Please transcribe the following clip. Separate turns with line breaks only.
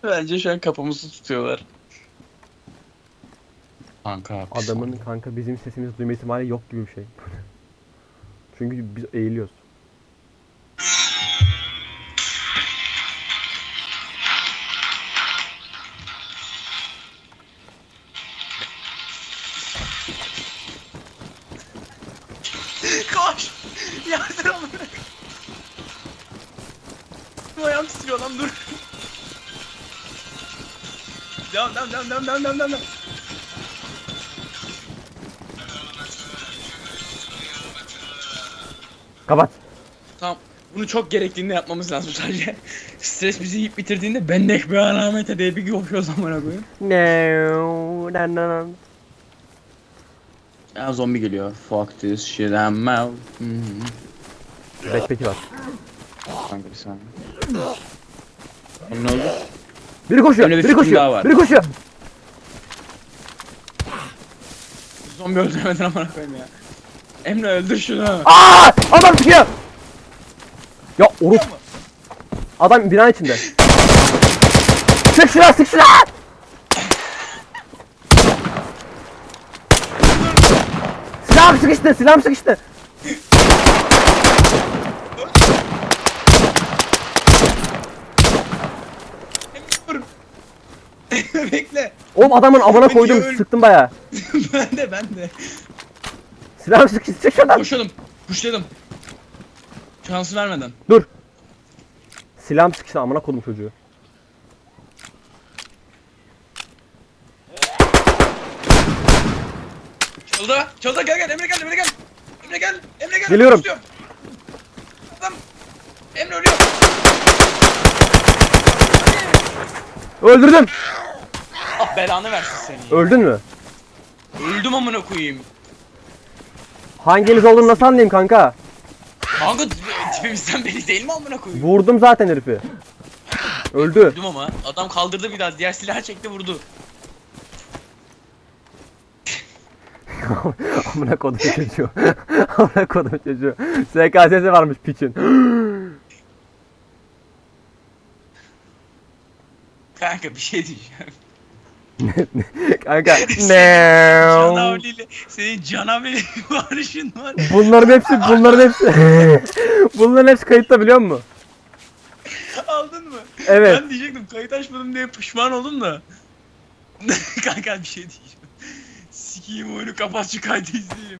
Bence şu an kafamızı tutuyorlar. Kanka.
Adamın kanka bizim sesimizi duyma ihtimali yok gibi bir şey. Çünkü biz eğiliyoruz.
Koş! Yardım amına. Bu ayağım titriyor lan dur. Devam.
Kapat.
Tamam. Bunu çok gerektiğinde yapmamız lazım sadece. Stres bizi yiyip bitirdiğinde bendek bir alamete diye bir koşuyoruz amına koyayım.
No.
Ya zombi geliyor. Fuck this shit I'm out.
Backpack'i var.
Kanka bir saniye. Ne oldu?
Biri koşuyor.
Öyle bir
Biri
fikrim
koşuyor.
daha var.
Biri koşuyor.
Zombi öldüremedin amına koyayım ya. Emre öldür şunu.
Aa! Adam çıkıyor. Ya Orut. Adam binanın içinde. Sık şuna, sık şuna. Silahım sıkıştı, silahım sıkıştı.
Dur. Bekle.
Oğlum adamın amına
Beni
koydum,
öl-
sıktım bayağı.
ben de.
Silahım sıkıştı, çık şuradan.
Koşalım. Kuşladım. Şansı vermeden.
Dur. Silahım sıkıştı, amına koydum çocuğu.
Çaldı gel Emre gel.
Geliyorum.
Kuşluyor. Adam. Emre ölüyor.
Öldürdüm.
Ah belanı versin seni.
Öldün mü?
Öldüm amına koyayım.
Hanginiz olduğunu nasıl anlayayım kanka?
Kanka tipimizden belli değil mi amına koyayım?
Vurdum zaten herifi. Öldü.
Öldüm ama adam kaldırdı bir daha diğer silahı çekti vurdu.
Amına kodum çocuğu. Amına kodum çocuğu. SKS'si varmış piçin.
Kanka bir şey diyeceğim.
Kanka.
Senin canavli varışın var.
Bunların hepsi kayıtta biliyor musun?
Aldın mı?
Evet.
Ben diyecektim kayıt açmadım diye pişman oldum da. Kanka bir şey diyeceğim. Sikiyim oyunu kapat şu kaydı izleyeyim.